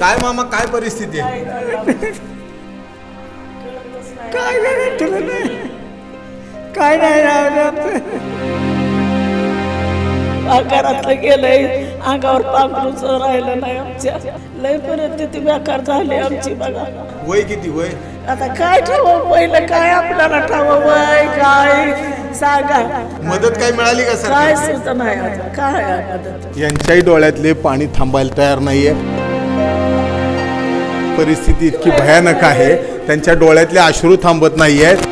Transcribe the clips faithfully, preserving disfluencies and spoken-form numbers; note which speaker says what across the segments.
Speaker 1: काय मामा काय परिस्थिती आहे?
Speaker 2: काय नाही तुला नाही काय नाही राहत घरातलं गेलंय अंगावर पांघरूच राहिलं नाही आमच्या लय परिस्थिती बेकार झाली आमची बघा.
Speaker 1: वय किती वय?
Speaker 2: आता काय ठावं पहिलं काय आपल्याला ठावं वय काय सांगा.
Speaker 1: मदत काय मिळाली का सर?
Speaker 2: काय सुद्धा नाही आता काय आहे मदत.
Speaker 1: यांच्याही डोळ्यातले पाणी थांबायला तयार नाहीये. परिस्थिती इतकी भयानक आहे, त्यांच्या डोळ्यातले अश्रू थांबत नाहीयेत.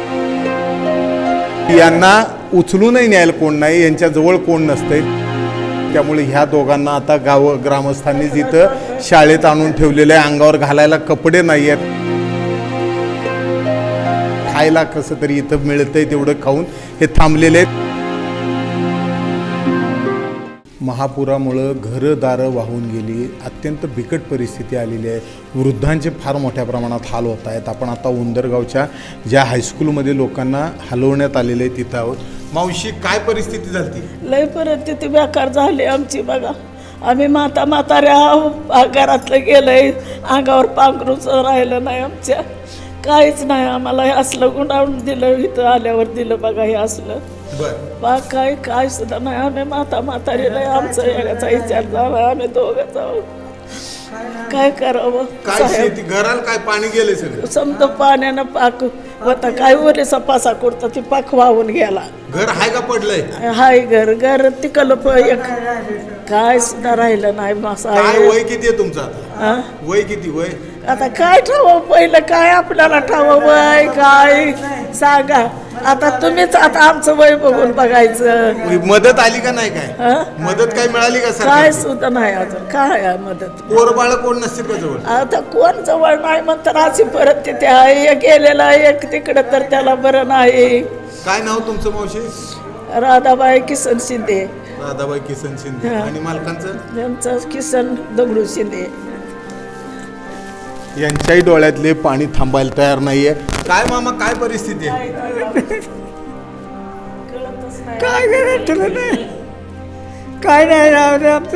Speaker 1: यांना उचलूनही न्यायला कोण नाही, यांच्या जवळ कोण नसते. त्यामुळे ह्या दोघांना आता गाव ग्रामस्थांनी जिथं शाळेत आणून ठेवलेले आहे, अंगावर घालायला कपडे नाही आहेत, खायला कसं तरी इथं मिळतंय तेवढं खाऊन हे थांबलेले आहेत. महापुरामुळं घरंदारं वाहून गेली, अत्यंत बिकट परिस्थिती आलेली आहे. वृद्धांचे फार मोठ्या प्रमाणात हाल होत आहेत. आपण आता उंदरगावच्या ज्या हायस्कूलमध्ये लोकांना हलवण्यात आलेले आहे तिथं आहोत. मावशी काय परिस्थिती झाली?
Speaker 2: लय परिस्थिती बेकार झाली आमची बघा. आम्ही माता म्हाताऱ्या घरातलं गेलंय अंगावर पांघरूच राहिलं नाही आमच्या काहीच नाही. आम्हाला हे असलं गुंडाळून दिलं, इथं आल्यावर दिलं बघा हे असलं बा काय काय सुद्धा नाही. आम्ही माता म्हातारी नाही, आमचा याचा विचार झाला. आम्ही दोघं जाऊ काय करावं.
Speaker 1: काय शेती घराला काय पाणी गेले सगळं?
Speaker 2: समजा पाण्यानं पाक होता काय वरे सपासा करता ती पाक वाहून गेला.
Speaker 1: घर हाय का पडलंय?
Speaker 2: हाय घर घर तिकलं एक काय सुद्धा राहिलं नाही. मासा
Speaker 1: काय वय किती आहे तुमचं आता? वय किती वय?
Speaker 2: आता काय ठावं पहिलं काय आपल्याला ठावं वय काय सांगा. आता तुम्हीच आता आमचं वय बघून बघायचं.
Speaker 1: मदत आली का नाही? काय मदत काय मिळाली का सर?
Speaker 2: काय सुद्धा नाही अजून काय आहे मदत.
Speaker 1: पोरबाळ कोण नसतील का जवळ?
Speaker 2: आता कोण जवळ नाही म्हणतात अशी परत तिथे आहे. एक गेलेला एक तिकडं तर त्याला बरं नाही.
Speaker 1: काय नाव तुमचं मावशी?
Speaker 2: राधाबाई किसन शिंदे.
Speaker 1: राधाबाई किसन शिंदे. आणि मालकांचं?
Speaker 2: त्यांचं किसन दगडू शिंदे.
Speaker 1: यांच्याही डोळ्यातले पाणी थांबायला तयार नाहीये. काय मामा काय परिस्थिती आहे?
Speaker 2: काय करायचं तुला नाही काय नाही राहत.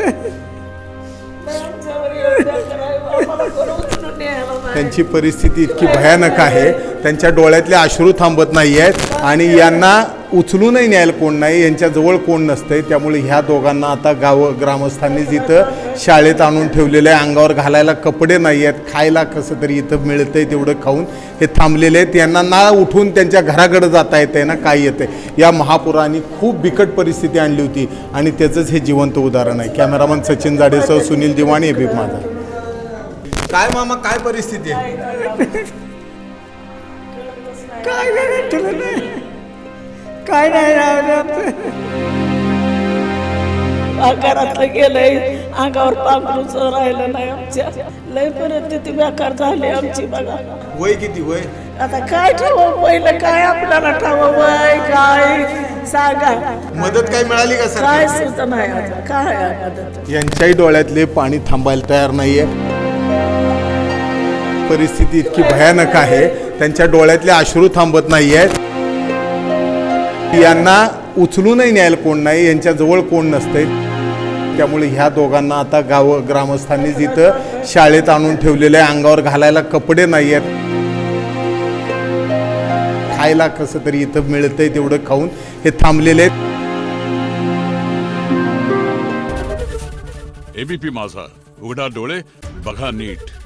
Speaker 1: त्यांची परिस्थिती इतकी भयानक आहे, त्यांच्या डोळ्यातले अश्रू थांबत नाही आहेत आणि यांना उचलूनही न्यायला कोण नाही, यांच्या जवळ कोण नसतंय. त्यामुळे ह्या दोघांना आता गाव ग्रामस्थांनी जिथं शाळेत आणून ठेवलेले आहे, अंगावर घालायला कपडे नाही आहेत, खायला कसं तरी इथं मिळतंय तेवढं खाऊन हे थांबलेले आहेत. यांना ना उठून त्यांच्या घराकडे जाता येते ना काय येते. या महापुराने खूप बिकट परिस्थिती आणली होती आणि त्याचंच हे जिवंत उदाहरण आहे. कॅमेरामन सचिन जाडेसह सुनील दिवाणी, एबीपी माझा. काय मामा काय परिस्थिती आहे?
Speaker 2: काय करायचं तुला नाही काय नाही राहत. घरातलं गेलंय अंगावर पांघरूच राहिलं नाही आमच्या लय परिस्थिती बेकार झाली आमची बघा.
Speaker 1: वय किती वय?
Speaker 2: आता काय ठावं पहिलं काय आपल्याला ठावं वय काय सांगा.
Speaker 1: मदत काय मिळाली का सर?
Speaker 2: काय सुद्धा नाही आता काय आहे मदत.
Speaker 1: यांच्याही डोळ्यातले पाणी थांबायला तयार नाहीये. परिस्थिती इतकी भयानक आहे, त्यांच्या डोळ्यातले अश्रू थांबत नाही आहेत. यांना उचलूनही न्यायला कोण नाही, यांच्या जवळ कोण नसतंय. त्यामुळे ह्या दोघांना आता गाव ग्रामस्थांनी जिथं शाळेत आणून ठेवलेले आहे, अंगावर घालायला कपडे नाही आहेत, खायला कसं तरी इथं मिळतंय तेवढं खाऊन हे थांबलेले आहेत.
Speaker 3: एबीपी माझा, उघडा डोळे बघा नीट.